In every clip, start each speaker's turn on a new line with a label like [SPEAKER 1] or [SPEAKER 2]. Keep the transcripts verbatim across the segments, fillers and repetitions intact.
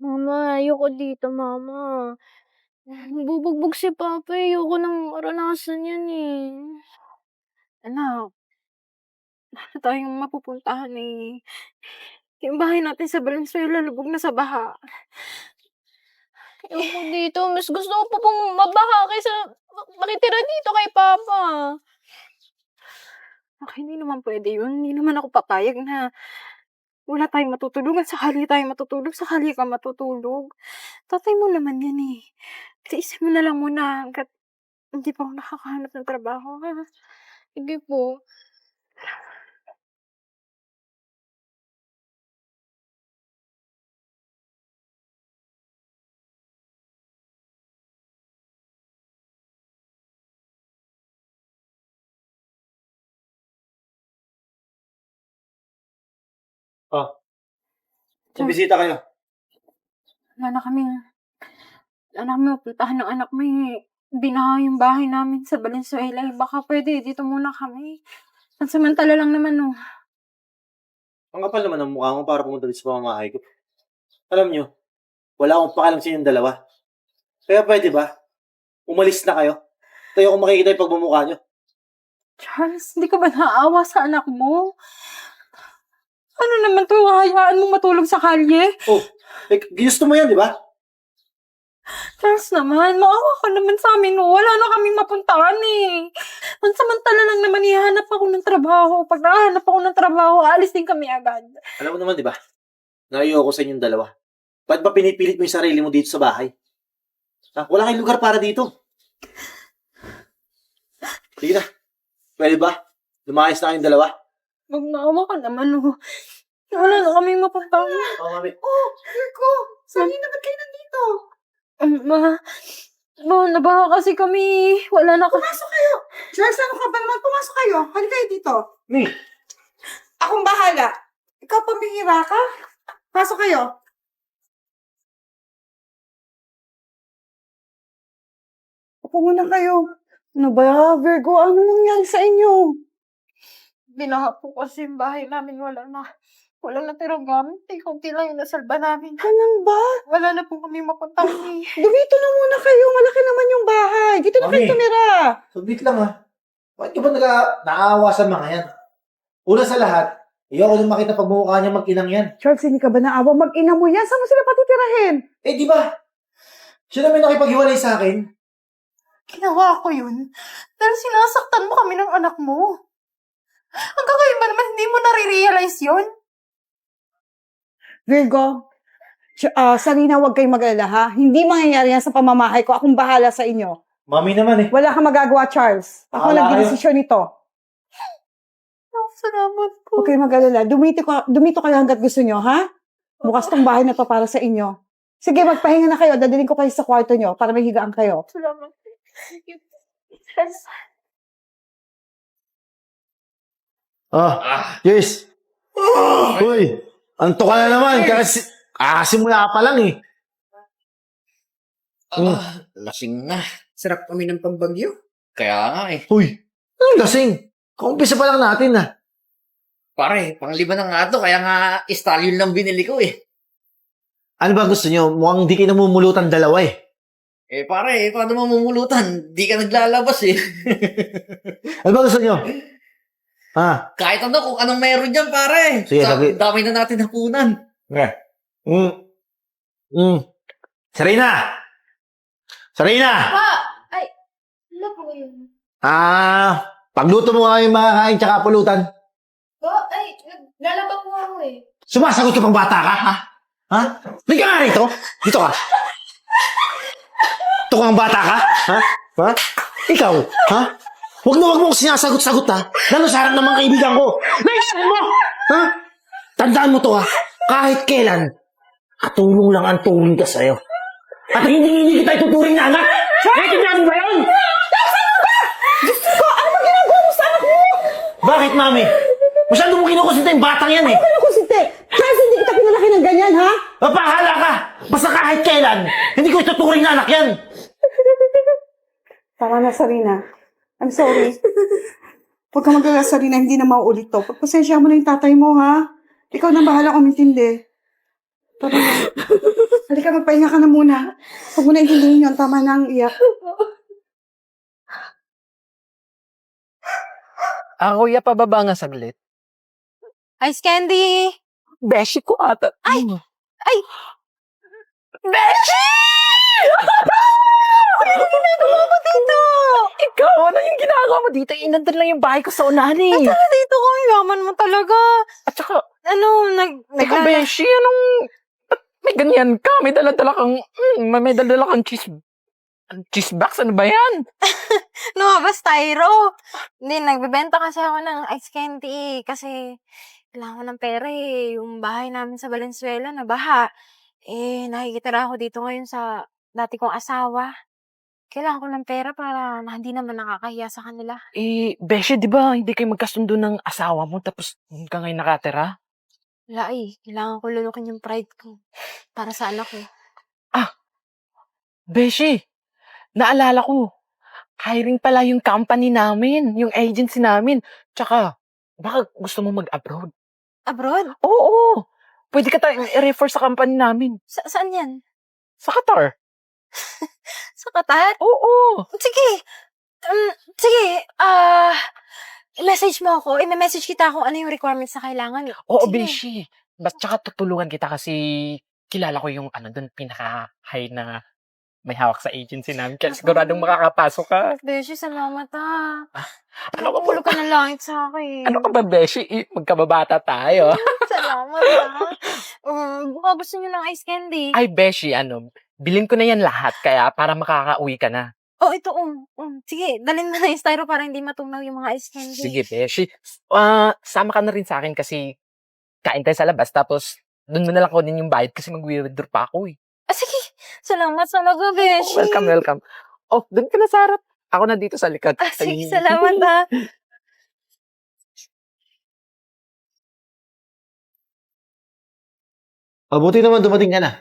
[SPEAKER 1] Mama, ayoko dito, Mama. Bubugbog si Papa, eh. Ayoko nang maranasan yan, eh.
[SPEAKER 2] Anak, wala tayong mapupuntahan, eh. Yung bahay natin sa Valenzuela lubog na sa baha.
[SPEAKER 1] Ayoko dito. Mas gusto ko pa pong mabaha kaysa makitira dito kay Papa.
[SPEAKER 2] Nak, hindi naman pwede yun. Hindi naman ako papayag na wala tayong matutulugan. Sakali tayong matutulog, sakali ka matutulog. Tatay mo naman yan, eh. Tiisin mo na lang muna hanggat hindi pa ako nakakahanap ng trabaho, ha?
[SPEAKER 1] Sige po.
[SPEAKER 3] Oh, may bisita kayo.
[SPEAKER 2] Wala na kaming, wala na kaming mapuntahan ng anak mo, eh. Binaha yung bahay namin sa Valenzuela. Eh. Baka pwede, dito muna kami. Pansamantala lang naman, oh.
[SPEAKER 3] Ang kapal naman ang mukha mo para pumunta dito sa pamamahay ko. Alam nyo, wala akong pakalam sa inyong dalawa. Kaya pwede ba? Umalis na kayo. Tayo akong makikita yung pagmumukha nyo.
[SPEAKER 2] Charles, hindi ka ba naawa sa anak mo? Ano naman to? Hayaan mo matulog sa kalye?
[SPEAKER 3] Oh, eh, ginusto mo yan, di ba?
[SPEAKER 2] Charles naman, maawa ka naman sa amin. Oh. Wala na kaming mapuntahan eh. Pansamantala lang naman ihanap ako ng trabaho. Pag nakahanap ako ng trabaho, aalis din kami agad.
[SPEAKER 3] Alam mo naman, di ba? Naiyo ako sa inyong dalawa. Ba't ba pinipilit mo yung sarili mo dito sa bahay? Ha? Wala kayong lugar para dito. Sige na. Pwede ba? Lumayas na kayong dalawa.
[SPEAKER 2] Magmaawa ka naman, oh. Wala na kaming mapuntahan.
[SPEAKER 3] Oo, mami.
[SPEAKER 4] Oh, Virgo! Sali na ba't kayo nandito?
[SPEAKER 2] Um, ma, ma, nabaha kasi kami. Wala na kami.
[SPEAKER 4] Pumasok kayo! Charles, ano ka ba naman? Pumasok kayo. Halika kayo dito.
[SPEAKER 3] Mi!
[SPEAKER 4] Akong bahala. Ikaw pambihira ka? Pasok kayo. Upo muna kayo. Ano ba, Virgo? Ano nangyari sa inyo?
[SPEAKER 2] Binaha po kasi yung bahay namin. Wala na. Wala na tirang gamit. Eh, kunti lang yung nasalba namin.
[SPEAKER 4] Ganun ba?
[SPEAKER 2] Wala na po kami mapuntahan eh.
[SPEAKER 4] Dumito na muna kayo. Malaki naman yung bahay. Dito na kayo
[SPEAKER 3] Mami.
[SPEAKER 4] tumira.
[SPEAKER 3] Saglit lang ha. Bakit ka ba naga, naawa sa mga yan? Una sa lahat, ayoko nung makita pagmumukha niya mag-inang yan.
[SPEAKER 4] Charles, hindi ka ba naawa? Mag-ina mo yan. Saan mo sila patitirahin?
[SPEAKER 3] Eh, di ba? Siya naman nakipaghiwalay sa akin.
[SPEAKER 2] Ginawa ko yun. Dahil sinasaktan mo kami ng anak mo. Hanggang ngayon ba naman hindi mo nare-realize yun?
[SPEAKER 4] Virgo, Ch- ah, Sarina, huwag kayong mag-alala, ha? Hindi mangyayari yan sa pamamahay ko. Akong bahala sa inyo.
[SPEAKER 3] Mami naman eh.
[SPEAKER 4] Wala kang magagawa, Charles. Ako
[SPEAKER 3] Bahala
[SPEAKER 4] lang
[SPEAKER 3] kayo.
[SPEAKER 4] ginisisyon nito.
[SPEAKER 2] Oh, salamat po.
[SPEAKER 4] Huwag kayong mag-alala. Dumito, ka, dumito kayo hanggat gusto nyo, ha? Bukas tong bahay na to para sa inyo. Sige, magpahinga na kayo. Dadalhin ko kayo sa kwarto nyo para may higaan kayo.
[SPEAKER 2] Salamat po. Thank you. Yes.
[SPEAKER 5] Ah, Joyce. Uy, anto ka na naman. Kasi, kakasimula pa lang eh.
[SPEAKER 6] Ah, lasing na.
[SPEAKER 7] Sarap kami ng pagbagyo.
[SPEAKER 6] Kaya nga eh.
[SPEAKER 5] Uy, anong lasing? Kumpisa pa lang natin ah.
[SPEAKER 6] Pare, panglima na nga to. Kaya nga, stallion lang binili ko eh.
[SPEAKER 5] Ano ba gusto nyo? Mukhang di kayo namumulutan dalawa eh.
[SPEAKER 6] Eh pare, paano mamumulutan? Di ka naglalabas eh.
[SPEAKER 5] Ano ba gusto nyo? Ha?
[SPEAKER 6] Kahit ano, kung anong meron dyan pare.
[SPEAKER 5] Sige,
[SPEAKER 6] Sa,
[SPEAKER 5] lagi-
[SPEAKER 6] dami na natin hapunan.
[SPEAKER 5] Eh. Mm. Mm. Sarina! Sarina!
[SPEAKER 1] Pa! Ay, ano po yun?
[SPEAKER 5] Ah, pagluto mo nga yung mga kain tsaka pulutan.
[SPEAKER 1] Pa, ay, naglalaba po ako eh.
[SPEAKER 5] Sumasagot ka pang bata ka, ha? Ha? Hindi ka nga rito. Dito ka. Ito kang bata ka? Ha? Ha? Ikaw? Ha? Huwag na huwag mo akong sinasagot-sagot, ha? Lalo sa harap ng mga kaibigan ko. Naisahin mo! Ha? Tandaan mo to, ha? Kahit kailan, katulong lang ang turing ka sa'yo. At hindi hindi kita ituturing na anak. Naiintindihan mo ba yun?
[SPEAKER 4] Diyos ko, ano ba ginagawa mo sa anak mo?
[SPEAKER 5] Bakit, mami? Masyado mo kinukusinta yung batang yan, eh.
[SPEAKER 4] Ano ko si Te? Charles, hindi kita pinalaki ng ganyan, ha?
[SPEAKER 5] Mapahala ka! Basta kahit kailan, hindi ko ituturing na anak yan.
[SPEAKER 4] Tama na, Sarina. I'm sorry. Huwag kang mag-alala, Sarina. Hindi na mauulit to. Pagpasensya mo na yung tatay mo, ha? Ikaw na bahala umintindi. Tara na. Halika, magpahinga ka na muna. Huwag mo na intindihin yun. Tama na ang iyak.
[SPEAKER 8] Ah, kuya, pababa nga saglit.
[SPEAKER 2] Ice candy!
[SPEAKER 8] Beshi ko ata.
[SPEAKER 2] Ay!
[SPEAKER 8] Hmm.
[SPEAKER 2] Ay!
[SPEAKER 8] Beshi!
[SPEAKER 2] Ano ginagawa mo dito?
[SPEAKER 8] Ikaw, ano yung ginagawa mo dito? Inandun lang yung bahay ko sa unahan eh.
[SPEAKER 2] At saka dito ka, yaman mo talaga.
[SPEAKER 8] At saka,
[SPEAKER 2] Ano, nag...
[SPEAKER 8] teka,
[SPEAKER 2] naglala-
[SPEAKER 8] Beshi, anong... ba't may ganyan ka? May dala-dala kang... Mm, may, may dala-dala kang cheese... Cheese box? Ano ba yan?
[SPEAKER 2] Lumabas Tyro. Hindi, nagbebenta kasi ako ng ice candy kasi kailangan ko ng pera eh. Yung bahay namin sa Valenzuela na baha. Eh, nakikitira ako dito ngayon sa dati kong asawa. Kailangan ko ng pera para na hindi naman nakakahiya sa kanila.
[SPEAKER 8] Eh, Beshi, di ba hindi kayo magkasundo ng asawa mo tapos ka ngayon nakatira?
[SPEAKER 2] Wala eh. Kailangan ko lulukin yung pride ko para sa anak ko.
[SPEAKER 8] Beshi, naalala ko. Hiring pala yung company namin, yung agency namin. Tsaka, baka gusto mo mag-abroad.
[SPEAKER 2] Abroad?
[SPEAKER 8] Oo, pwede ka tayong i-refer sa company namin.
[SPEAKER 2] Sa saan yan?
[SPEAKER 8] Sa Qatar.
[SPEAKER 2] Sa Qatar?
[SPEAKER 8] Oo.
[SPEAKER 2] Sige. Um, sige. Ah... message mo ako. I-message kita kung ano yung requirements na kailangan.
[SPEAKER 8] Oo,
[SPEAKER 2] Sige.
[SPEAKER 8] Beshi. Bas, tsaka tutulungan kita kasi kilala ko yung ano dun, pinaka-high na may hawak sa agency namin. Kaya siguradong makakapasok ka.
[SPEAKER 2] Beshi, salamat ah.
[SPEAKER 8] Ano ka ba?
[SPEAKER 2] Nakulo ka ng langit sa akin.
[SPEAKER 8] Ano ka ba, Beshi? Eh, magkababata tayo.
[SPEAKER 2] Salamat ah. Um, baka gusto niyo ng ice candy.
[SPEAKER 8] Ay, Beshi, ano, bilhin ko na yan lahat kaya para makakauwi ka na.
[SPEAKER 2] Oh, ito um. um. Sige, dalhin mo na yung styro para hindi matunaw yung mga ice candy.
[SPEAKER 8] Sige, Beshi. Ah, sama ka na rin sa akin kasi kain tayo sa labas tapos doon mo na lang kunin yung bayad kasi mag-withdraw pa ako eh.
[SPEAKER 2] Ah, sige. Salamat talaga, Beshi.
[SPEAKER 8] Welcome, welcome. Oh, doon ka na sa harap. Ako na dito sa likod.
[SPEAKER 2] Ah, sige,
[SPEAKER 8] Ay.
[SPEAKER 2] salamat ah.
[SPEAKER 5] Mabuti naman dumating ka na.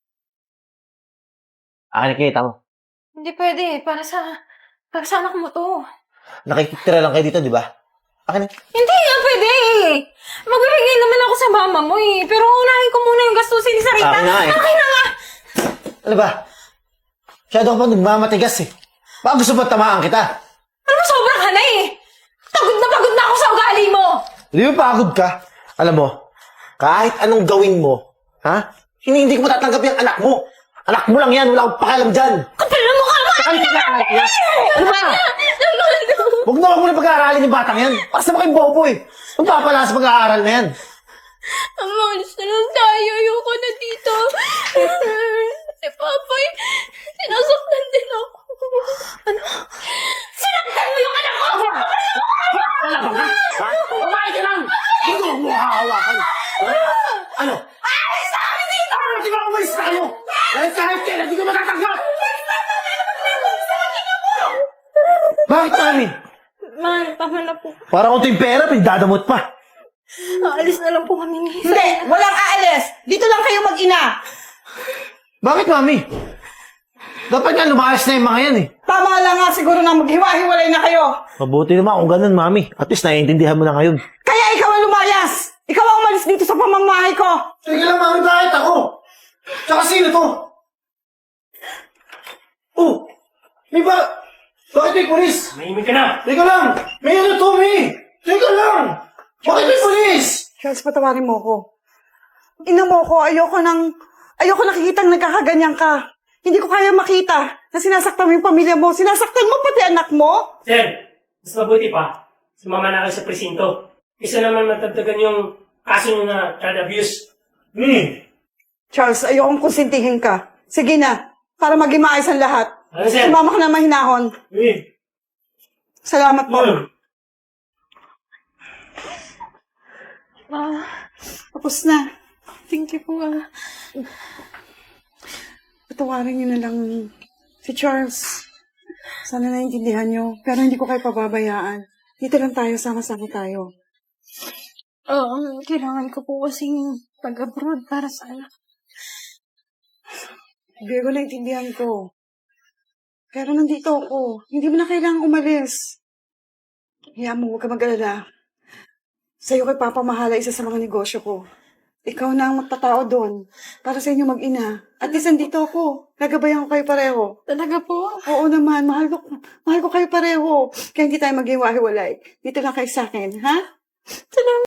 [SPEAKER 5] Ah, nakikita mo.
[SPEAKER 2] Hindi pwede. Para sa... Para sa anak mo to.
[SPEAKER 5] Nakikitira lang kayo dito, di ba? Akin na.
[SPEAKER 2] Hindi nga pwede eh. Magbibigay naman ako sa mama mo eh. Pero unahin ko muna yung gastusin ni Sarita.
[SPEAKER 5] Akin na nga eh.
[SPEAKER 2] Akin na nga.
[SPEAKER 5] Ano ba? Masyado ka pa nagmamatigas eh. Baka gusto ba tamaan kita?
[SPEAKER 2] Ano ba sobra ka na eh. Pagod na pagod na ako sa ugali mo.
[SPEAKER 5] Di ba pagod ka? Alam mo, kahit anong gawin mo, ha? Hindi, hindi ko matatanggap yung anak mo. Anak mo lang yan, wala akong pakialam dyan.
[SPEAKER 2] Kapal na mukha mo.
[SPEAKER 5] Ano ba? Huwag na huwag mo na pag-aaralin yung batang yan. Basta ba kayong bobo eh. Ang papala sa pag-aaral na yan.
[SPEAKER 2] Amalis na lang tayo. Ayoko na dito. Si Papay, sinasaktan din ako. Ano? Sinaktan mo yung anak ko!
[SPEAKER 5] Kumain ka lang! Hindi mo hahawakan. Ano?
[SPEAKER 2] Alis na kami dito!
[SPEAKER 5] Di ba umalis na kayo? Dahil kahit kailan, di ko matatanggap! Bakit namin?
[SPEAKER 2] Man, tama na po.
[SPEAKER 5] Para kung ito yung pera, pinagdadamot pa.
[SPEAKER 2] Aalis na lang po kami ni
[SPEAKER 4] Hindi! Walang aalis! Dito lang kayo mag-ina!
[SPEAKER 5] Bakit, mami? Dapat nga lumayas na yung mga yan eh.
[SPEAKER 4] Tama lang nga siguro na maghiwa-hiwalay na kayo.
[SPEAKER 5] Mabuti naman kung ganun, mami. At least naiintindihan mo na ngayon.
[SPEAKER 4] Kaya ikaw ang lumayas! Ikaw ang umalis dito sa pamamahay ko!
[SPEAKER 5] Sige lang, mami, bakit ako? Tsaka sino to? Oh! May ba... Bakit may pulis?
[SPEAKER 7] Mahimik ka na!
[SPEAKER 5] Teka lang! May ano to, may! Teka lang! Bakit may pulis?
[SPEAKER 4] Charles, patawarin mo ko. Ina mo ko, ayoko nang... Ayoko nakikitang nagkakaganyan ka. Hindi ko kaya makita na sinasaktan mo yung pamilya mo. Sinasaktan mo pati anak mo.
[SPEAKER 7] Sir, mas mabuti pa. Sumama na kayo sa presinto. Isa naman matagdagan yung kaso nyo na child abuse.
[SPEAKER 5] Hmm.
[SPEAKER 4] Charles, ayokong konsintihin ka. Sige na, para maging maayos ang lahat.
[SPEAKER 7] Ano, sir?
[SPEAKER 4] Sumama ka na mahinahon.
[SPEAKER 7] Hmm.
[SPEAKER 4] Salamat po.
[SPEAKER 7] Hmm.
[SPEAKER 4] Ah, tapos na. Thank you po. Ah. Patawarin niyo na lang si Charles. Sana naiintindihan niyo. Pero hindi ko kayo pababayaan. Dito lang tayo, sama-sama tayo.
[SPEAKER 2] Oo, kailangan ko po kasing pag-abroad para sa anak.
[SPEAKER 4] Diego, naiintindihan ko. Pero nandito ako. Hindi mo na kailangang umalis. Hayaan mo, huwag ka mag-alala. Sa'yo kay Papa Mahala isa sa mga negosyo ko. ikaw na ang magtatao doon para sa inyo mag-ina. At least andito ako. Gagabayan ko kayo pareho.
[SPEAKER 2] Talaga po?
[SPEAKER 4] Oo naman, mahal ko, mahal ko kayo pareho. Kaya hindi tayo maghiwa-hiwalay. Dito lang kayo sa akin, ha?